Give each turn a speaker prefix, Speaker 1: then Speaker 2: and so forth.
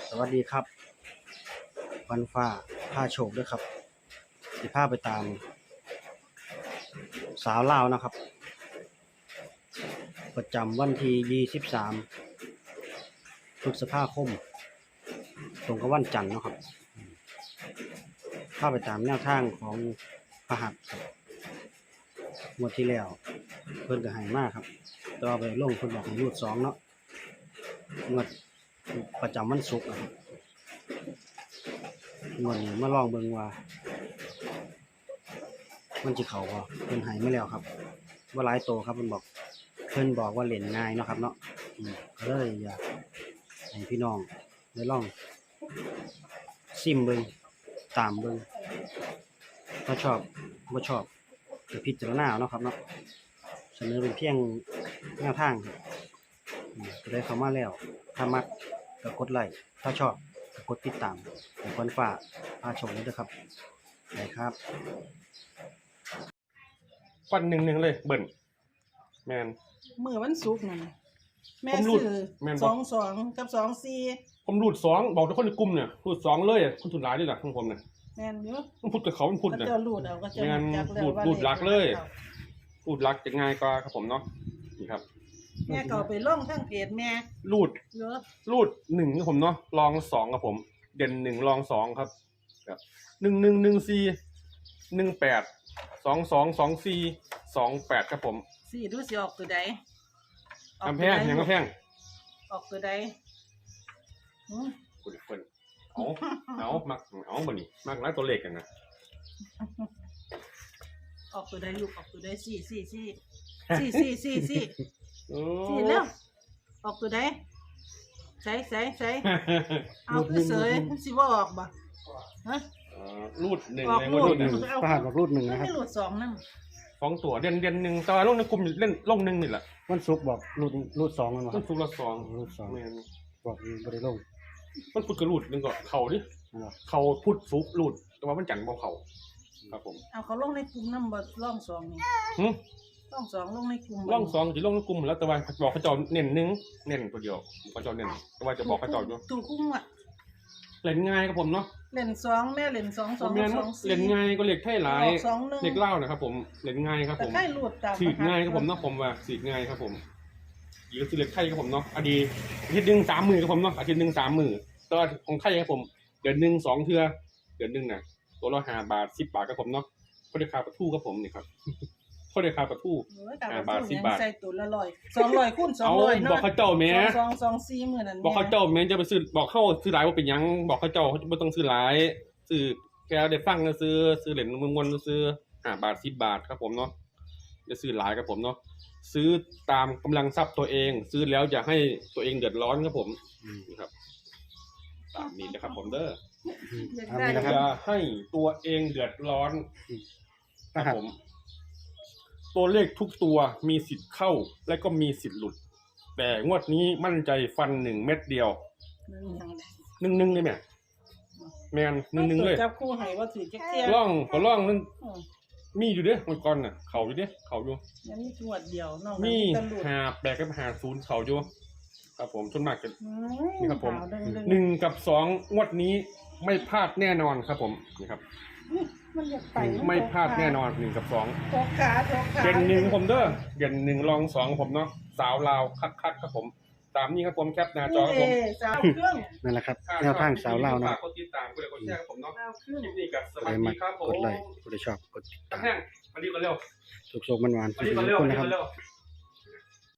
Speaker 1: สวัสดีครับวันฟ้าผ้าโชคด้วยครับสิผ้าไปตามสาวลาวนะครับประจำวันที่23พฤษภาคมตรงกับวันจันทร์นะครับผ้าไปตามแนวทางของพหัสครับงวดที่แล้วเพิ่นก็ให้มากครับต่อไปลงเพิ่นบอกให้รูด2เนาะงวดประจำวันศุกร์นะครับงวดนี้มาลองเบิ่งว่ามันจะเข้าบ่เพิ่นให้มาแล้วครับว่าหลายโตครับเพิ่นบอกว่าเล่นง่ายเนาะครับเนาะก็เลยอยากให้พี่น้องได้ลองซิมเบิ่งตามเบิ่งถ้าชอบบ่ชอบก็พิจารณาเนาะครับเนาะเสนอเป็นเพียงแนวทางครับก็ได้เข้ามาแล้วถ้ามักก็กดไลค์ถ้าชอบก็กดติดตามให้คนฝากพาชมด้วยครับได้ครับ
Speaker 2: ฟันหนึ่งเลยเบิ่นแมน
Speaker 3: เมื่อวันศุกร์นั่นแม่ซื้อ22กับ24
Speaker 2: ผมรูด2บอกทุกคนในกลุ่มเนี่ยรูด2เลยคนทุนหลายด้วยล่ะของผมเนี่ย
Speaker 3: แม่นอยู่
Speaker 2: มันพูดกับเขามันพูดเนี่ย
Speaker 3: ก็จะรูดเอาก็จะจักแล้วว่า
Speaker 2: รูดลักเลยรูดลักจะง่ายกว่าครับผมเนาะนี่ครับ
Speaker 3: แม่ก็ไปลงทั้งเพจแม่
Speaker 2: รูด
Speaker 3: เยอะ
Speaker 2: รูด1ครับผมเนาะรอง2ครับผมเด่น1รอง2ครับ111418222428ครับผม
Speaker 3: สิดูสิออกตัวใด
Speaker 2: กำแพงยังกำแพง
Speaker 3: ออกตัวใด
Speaker 2: คุณเพิ่นเอามักเอาบ่นี่มักหลายตัวเลขกันนะ
Speaker 3: ออกตัวใดลูกออกตัวใด4แล้วออกตัวใดใส่เอาคือเสยสิบ่ออกบ่ฮะ
Speaker 2: รูด1เลยว่ารูด1
Speaker 1: พหัสบอกรูด1นะครับ
Speaker 3: ไม่รูด2นำ
Speaker 2: 2ตัวเด่น1แต่ว่าลงในกลุ่มเล่นลง1นี่แหละ
Speaker 1: วันศุกร์บอกรูด2มันบ่
Speaker 2: วันศุกร์ละ2
Speaker 1: รูด2แม่นบอกบ่ได้ลง
Speaker 2: มันพุธก็รูด1ก็เข้าดิเข้าพุธศุกร์รูดแต่ว่ามันจันทร์บ่เข้าครับผม
Speaker 3: เอาเขาลงในกลุ่มนำบ่ร่อง2นี่ร่อง2ลงในกลุ่ม
Speaker 2: ร่อง2สิลงในกลุ่มแล้วแต่ว่าบอกเขาเจ้าเน้น1เน้นตัวเดียวเขาเจ้าเน้นแต่ว่าจะบอกเขาเจ้าอยู่
Speaker 3: ถูกคุ้มอ่ะ
Speaker 2: เล่นง่ายครับผมเนาะ
Speaker 3: เล่น2แม่เล่น2 2 2
Speaker 2: เล่นง่ายก็เลขไทยหลายเลขเล่านะครับผมเล่นง่ายครับผมฉีกง่ายครับผมเนาะผมว่าฉีกง่ายครับผมอีกก็คือเลขไทยครับผมเนาะอดีตอาทิตย์นึง3 มื้อครับผมเนาะอาทิตย์นึง3 มื้อตัวของไทยครับผมเดือนนึง2เทื่อเดือนนึงน่ะตัวละ5 บาท10 บาทครับผมเนาะก็ได้ค่าปลาทูครับผมนี่ครับก็ได้ค่าปลาทู5 บาท10 บาท
Speaker 3: ใส่ตัวละ100 200คูณ200เนาะ
Speaker 2: บอกเขาเจ้าแม่
Speaker 3: 224มื้อนั้น
Speaker 2: บอกเขาเจ้าแม่จะไปซื้อบอกเขาซื้อหลายว่าเป็นหยังบอกเขาเจ้าบ่ต้องซื้อหลายซื้อแกได้ฟังแล้วซื้อเหรียญมวลซื้อ5 บาท10 บาทครับผมเนาะจะซื้อหลายครับผมเนาะซื้อตามกำลังทรัพย์ตัวเองซื้อแล้วอย่าให้ตัวเองเดือดร้อนครับผมครับตามนี้นะครับผมเด้ออย่าให้ตัวเองเดือดร้อนครับผมตัวเลขทุกตัวมีสิทธิ์เข้าและก็มีสิทธิ์หลุดแต่งวดนี้มั่นใจฟัน1 เม็ดเดียว1เลยแม่น1เลย
Speaker 3: จับคู่ให้ว่าถือจักเที่ย
Speaker 2: ร่องนึงมีอยู่เด้มันก่อนน่ะเขาอยู่เด้เขาอยู่
Speaker 3: ยังมีงวดเดียวน้อง
Speaker 2: มี58กับ50เขาอยู่ครับผมส่วนมากจะนี่ครับผม1กับ2งวดนี้ไม่พลาดแน่นอนครับผมนี่ครับ
Speaker 3: มันอยากไป
Speaker 2: ไม่พลาดแน่นอน1กับ2
Speaker 3: ตกขา
Speaker 2: เด่น1ผมเด้อเด่น1รอง2ผมเนาะสาวลาวคักๆครับผมตามนี้ครับผมแคปหน้าจอครับผม
Speaker 3: สาวเครื่อง
Speaker 1: นั่นแหละครับแนวทางสาวลาวนะ
Speaker 2: กดติดตามกดแชร์ผมเนาะคลิปนี้ก็สวัสดีครับผม
Speaker 1: กดไลค์กดชอบกดติดตาม
Speaker 2: มาดีกันเร็ว
Speaker 1: สุขๆมันๆทุกคนนะครับ